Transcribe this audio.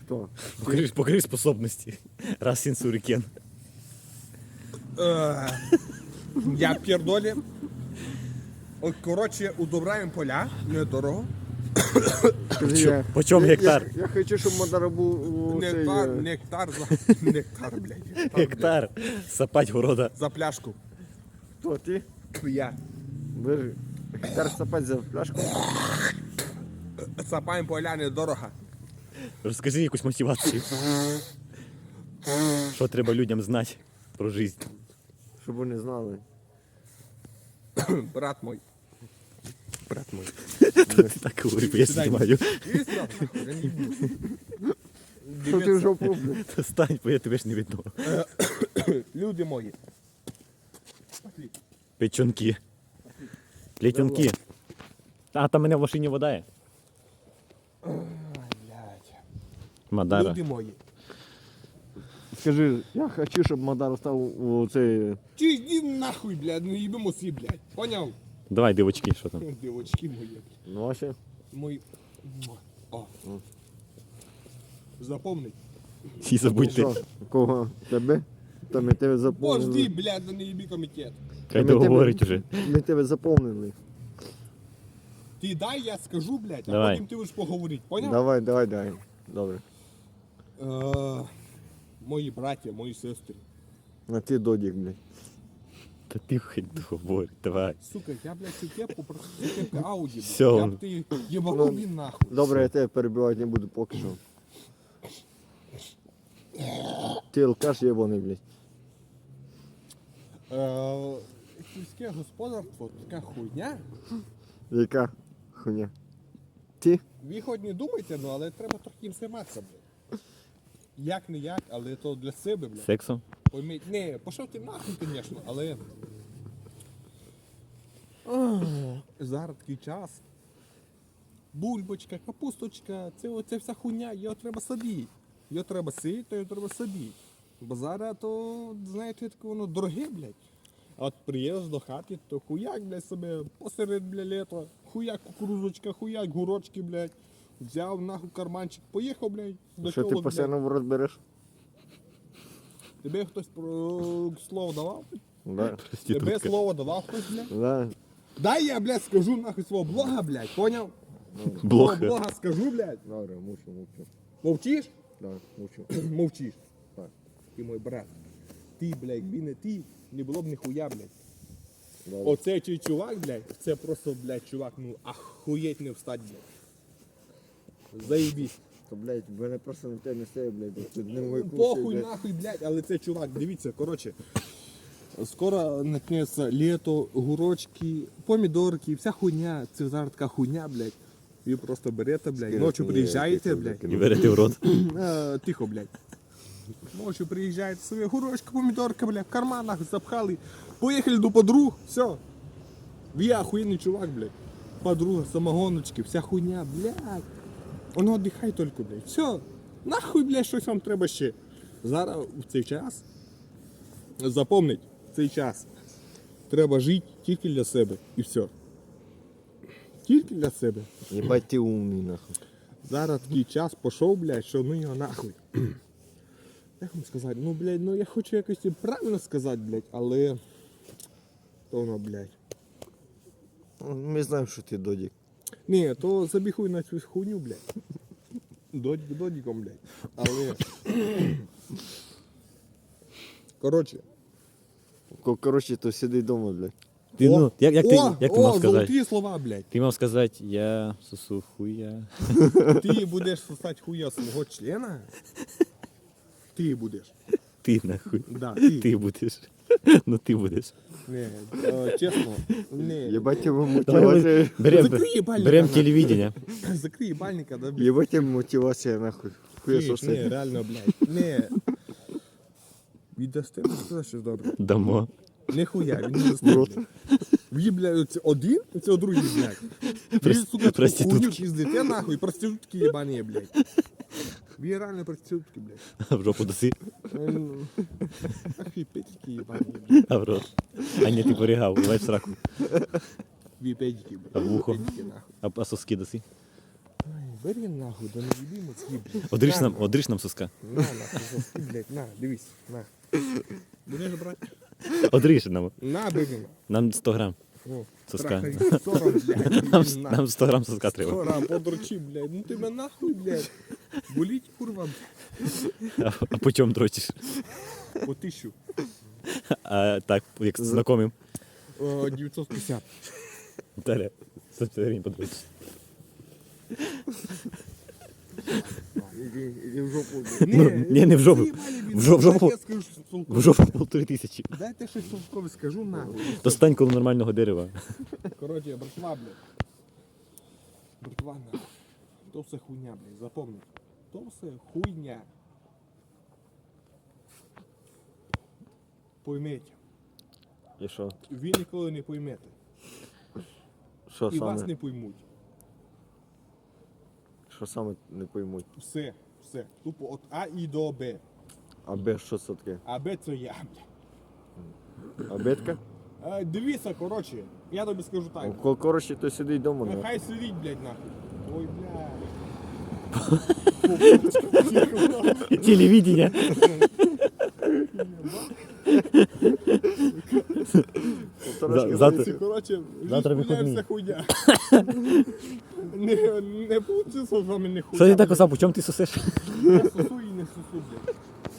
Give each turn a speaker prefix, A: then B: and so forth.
A: Хто?
B: Покажи способности. Раз сенсурикен.
C: Я пердолі. От, коротше, удобраємо поля, недорого.
B: Почем гектар?
A: Я хочу, щоб Мадар був
C: Нектар, блядь.
B: Гектар. Сапать города.
C: За пляшку.
A: Хто, ти?
C: Я.
A: Бери. Гектар сапать за пляшку.
C: Сапаємо поля недорого.
B: Розкажи якусь мотивацію. Що треба людям знати про життя?
A: Щоб вони знали.
C: Брат мой. Брат мой.
B: Ти так говори, бо я знімаю.
C: Іди сюди, нахуй, я не буду.
A: Що ти в жопу, блядь?
B: Стань, бо я тебе ж не видно.
C: Люди мої.
B: Печонки. Плетенки. А, там мене в машині вода є.
C: Блядь.
B: Мадара.
C: Люди мої.
A: Скажи, я хочу, щоб Мадар став у цей...
C: Чи йди нахуй, блядь, не їбемо всі, блядь. Поняв?
B: Давай, дивочки, що там.
C: Дівочки мої, блядь.
A: Ну, а ще?
C: Мої. О. Запомни.
B: І забудьте.
A: Що? Кого? Тебе? Та ми тебе
C: Пожди,
A: заповнили.
C: блядь, да не їбі комітет.
B: Хай
A: Ми тебе-
B: договорить уже.
A: Ми тебе заповнили.
C: Ти дай, я скажу, блядь, а
B: Давай.
C: потім ти будеш поговорити, поняв?
A: Давай. Добре.
C: Мої браття, мої сестри.
A: А ти додік, блядь.
B: Та ти хай договорить, давай.
C: Сука, я, блядь, цю кепку, просто цю кепку Ауді, блядь.
B: Всё,
C: Я
B: он-
C: б ти єбанув він нахуй.
A: Добре, я тебе перебивати не буду поки що. Ти алкаш єбаний, блядь.
C: Сільське господарство, така хуйня.
A: Яка хуйня? Ти?
C: Ви хоч не думайте, ну, але треба трохи їм займатися, блядь. Як не як, але то для себе, блядь.
B: Сексом?
C: Пойміть, не, пішов ти нахуй, звісно, але зараз такий час. Бульбочка, капусточка, це вся хуйня, його треба садити. Його треба сити, його треба садити. Бо зараз то, знаєте, таке воно дороге, блядь. А от приїздиш до хати, то хуяк, блядь, себе посеред, блядь, літа, хуяк кукурузочка, хуяк гурочки, блядь. Взяв нахуй карманчик, поїхав, блядь, до
A: Що ти
C: тілок,
A: постійно в рот береш?
C: Тебе хтось про слово давав?
A: Да.
C: Тебе
B: Проститутка.
C: слово давав хтось, блядь?
A: Да.
C: Дай я, блядь, скажу нахуй свого блога, блядь, поняв? Свого
B: Блоха.
C: блога скажу, блядь.
A: Добре, мовчу.
C: Мовчиш?
A: Да, мовчу.
C: Мовчиш.
A: Так.
C: Ти мой брат. Ти, блядь, якби не ти, не було б ніхуя, блядь.
A: Добре.
C: Оцей чий чувак, блядь, це просто, блядь, чувак, ну, ахуєть не встать, блядь. Заєбісь.
A: То, блядь, в мене просто на те не стає, блядь. Тут не мой
C: Похуй нахуй, блядь, але це чувак, дивіться, коротше. Скоро начнеться літо, гурочки, помідорки, вся хуйня, це зараз така хуйня, блядь. Ви просто берете, блядь, ночі приїжджаєте, блядь.
B: І берете в рот.
C: Тихо, блядь. Ночі приїжджаєте, собі гурочка, помідорка, блядь, в карманах запхали. Поїхали до подруг, все. Ви охуєнний чувак, блядь. Подруга, самогоночки, вся хуйня, блядь. Воно віддихай тільки, блядь. Все. Нахуй, блядь, щось вам треба ще. Зараз в цей час, запомніть, в цей час треба жити тільки для себе і все. Тільки для себе.
A: Єбать ти умний, нахуй.
C: Зараз такий час пішов, блядь, що ну його нахуй. Як вам сказати? Ну, блядь, ну я хочу якось і правильно сказати, блядь, але то воно, блядь.
A: Ми знаємо, що ти додік.
C: Ні, то забіхуй на цю хуйню, блядь. Додіком, блядь. Але. Коротше.
A: Коротше, то сиди вдома, блядь.
B: Ти, ну, як ти мав сказати?
C: Золоті слова, блядь.
B: Ти мав сказати, я сосу хуя.
C: Ти будеш сосати хуя свого члена? Ти будеш.
B: Ти нахуй.
C: Да,
B: Ти будеш. Ну ти будеш.
C: Не, чесно, не.
A: Єбать тебе
B: Давай
A: мотивація.
C: Закрий їбальника,
B: берем
C: нахуй.
B: телевидение.
C: Закрий бальника, да, блядь.
A: Єбать тебе мотивація, нахуй. Хуя
C: Ні, ні,
A: сосать.
C: реально, блядь. Не. Віддасте мені сказати щось добре.
B: Дамо.
C: Нихуя, він не достає, блядь. Ви, блядь, це один, це другий, блядь. Ви, сука, таку
B: проститутки.
C: хуйню піздите, нахуй, проститутки єбані, блядь. Ви реально проститутки, блядь.
B: В жопу доси,
C: Ах, ви педики єбані, блядь.
B: а в рот. А ні, ти порігав, давай в сраку.
C: Ви педики, блядь.
B: А в ухо?
C: Педики, нахуй.
B: А соски доси.
C: Бери нахуй, да не їби мозги, блядь.
B: Одріж нам соска.
C: На, нахуй, соски, блядь, на, дивись, на. Будеш брати?
B: Одріж нам.
C: На, бери.
B: Нам 100 грам
C: О,
B: соска.
C: трахай, 40, блядь, на.
B: Нам 100 грам соска треба.
C: 40, подручи, блядь, ну тебе нахуй, блядь. Боліть, курва,
B: А по чому дрочиш?
C: по 1000.
B: А так, як знайомим.
C: 950.
B: Далі. 150 гривень подрочиш.
A: Іди в жопу, блядь.
B: Ну, ні, не в жопу. В жопу.
C: Я скажу, що
B: В жопу 1500.
C: дайте щось толкове скажу, нахуй.
B: То стань коло нормального дерева.
C: Короче, братва, блядь. Братва, нахуй. То все хуйня, блядь, запомни. То все хуйня. Пойміть.
A: І що?
C: Ви ніколи не поймете.
A: Що
C: І вас
A: саме?
C: не поймуть.
A: Що саме не поймуть?
C: Все, все. Тупо от А і до Б.
A: А Б що це таке?
C: А Б це я, блядь.
A: А Бетка?
C: Дивіться, коротше, я тобі скажу так.
A: Коротше, то сидить вдома, ну.
C: Нехай сидіть, блядь, нахуй. Ой, блядь.
B: Телевидение. Завтра.
C: Коротше,
B: Завтра
C: жизнь
B: вихідний.
C: вся хуйня. Не получиться з вами не хуйня.
B: Що ти так, Осап, у чому ти сосеш?
C: Я сосу і не сосу, блядь.